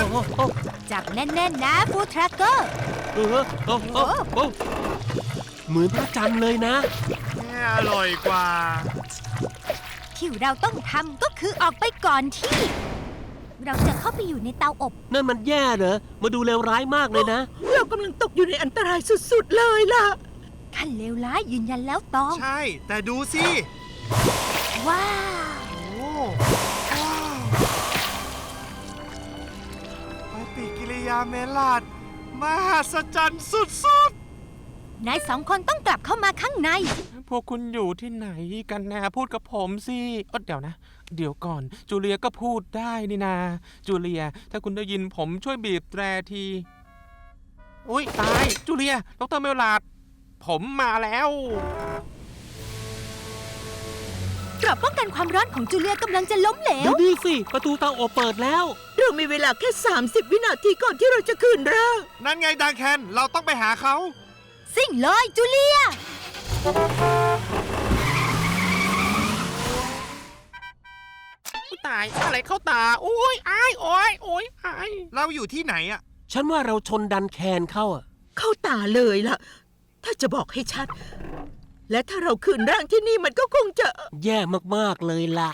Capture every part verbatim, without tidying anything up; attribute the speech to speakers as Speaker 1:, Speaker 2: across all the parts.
Speaker 1: โอ้
Speaker 2: จับแน่นๆนะฟู้ดทรัคเกอร์
Speaker 1: เออโอ้โอ้โอ้เหมือนพระจันทร์เลยนะ
Speaker 3: เนี่ยอร่อยกว่า
Speaker 2: ที่เราต้องทำก็คือออกไปก่อนที่เราจะเข้าไปอยู่ในเตาอบ
Speaker 1: นั่นมันแย่เหรอมาดูเลวร้ายมากเลยนะ
Speaker 4: เรากำลังตกอยู่ในอันตรายสุดๆเลยล่ะ
Speaker 2: ขั้นเลวร้ายยืนยันแล้วตอง
Speaker 3: ใช่แต่ดูสิ
Speaker 2: ว้าว
Speaker 3: โอ้ว้าวปฏิกิริยาเมลาดมหัศจรรย์สุด
Speaker 2: ๆนายสองคนต้องกลับเข้ามาข้างใน
Speaker 5: พวกคุณอยู่ที่ไหนกันนะพูดกับผมสิเออเดี๋ยวนะเดี๋ยวก่อนจูเลียก็พูดได้นี่นาจูเลียถ้าคุณได้ยินผมช่วยบีบแตรทีอุ้ยตายจูเลียดร.เมลลาร์ดผมมาแล้ว
Speaker 2: กรอบป้องกันความร้อนของจูเลียกำลังจะล้มเหลว
Speaker 1: ดูนี่สิประตูเตาอบเปิดแล้ว
Speaker 4: เรามีเวลาแค่สามสิบวินาทีก่อนที่เราจะคืนร่าง
Speaker 3: นั่นไงดังแคนเราต้องไปหาเขา
Speaker 2: สิ่งเลยจูเลีย
Speaker 5: ตายอะไรเข้าตาโอ้ยอายโอ้ยโอ้ยอาย
Speaker 3: เราอยู่ที่ไหนอะ
Speaker 1: ฉันว่าเราชนดันแคนเข้าอะ
Speaker 4: เข้าตาเลยล่ะถ้าจะบอกให้ชัดและถ้าเราคืนร่างที่นี่มันก็คงจะ
Speaker 1: แย่มากๆเลยล่ะ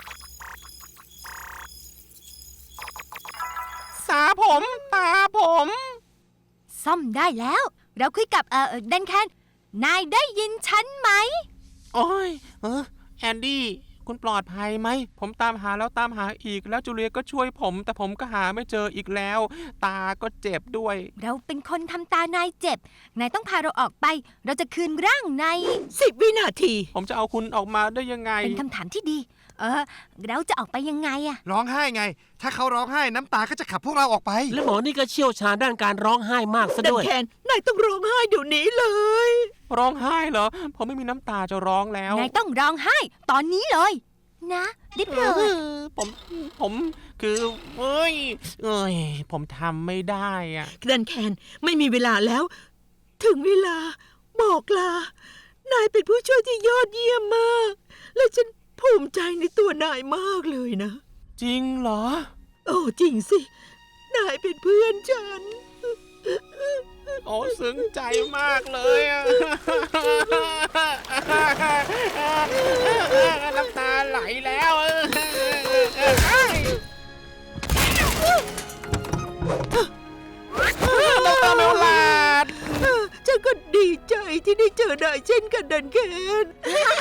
Speaker 5: สาผมตาผม
Speaker 2: ซ่อมได้แล้วเราคุยกับเอ่อดันแคนนายได้ยินฉันไหม
Speaker 5: โอ้ยเออแอนดี้คุณปลอดภัยไหมผมตามหาแล้วตามหาอีกแล้วจูเลียก็ช่วยผมแต่ผมก็หาไม่เจออีกแล้วตาก็เจ็บด้วย
Speaker 2: เราเป็นคนทำตานายเจ็บนายต้องพาเราออกไปเราจะคืนร่างใน
Speaker 4: สิบวินาที
Speaker 5: ผมจะเอาคุณออกมาได้ยังไง
Speaker 2: เป็นคำถามที่ดีเออเราจะออกไปยังไงอะ
Speaker 3: ร้องไห้ไงถ้าเขาร้องไห้น้ำตาก็จะขับพวกเราออกไป
Speaker 1: และหมอนี่ก็เชี่ยวชาญด้านการร้องไห้มากซะด้วย
Speaker 4: ดันแคนนายต้องร้องไห้เดี๋ยวนี้เลย
Speaker 5: ร้องไห้เหรอผมไม่มีน้ำตาจะร้องแล้ว
Speaker 2: นายต้องร้องไห้ตอนนี้เลยนะดิบเลย
Speaker 5: ผมผมคือเอ้ยเอ้ยผมทำไม่ได้อะ
Speaker 4: ดันแคนไม่มีเวลาแล้วถึงเวลาบอกลานายเป็นผู้ช่วยที่ยอดเยี่ยมมากและฉันภูมิใจในตัวนายมากเลยนะ
Speaker 5: จริงเหรอ
Speaker 4: โอ้จริงสินายเป็นเพื่อนฉัน
Speaker 5: โอ้ซึ้งใจมากเลยอะน้ำตาไหลแล้วดร.เมลลาร์ด
Speaker 4: ฉันก็ดีใจที่ได้เจอนายเช่นกันดันแคน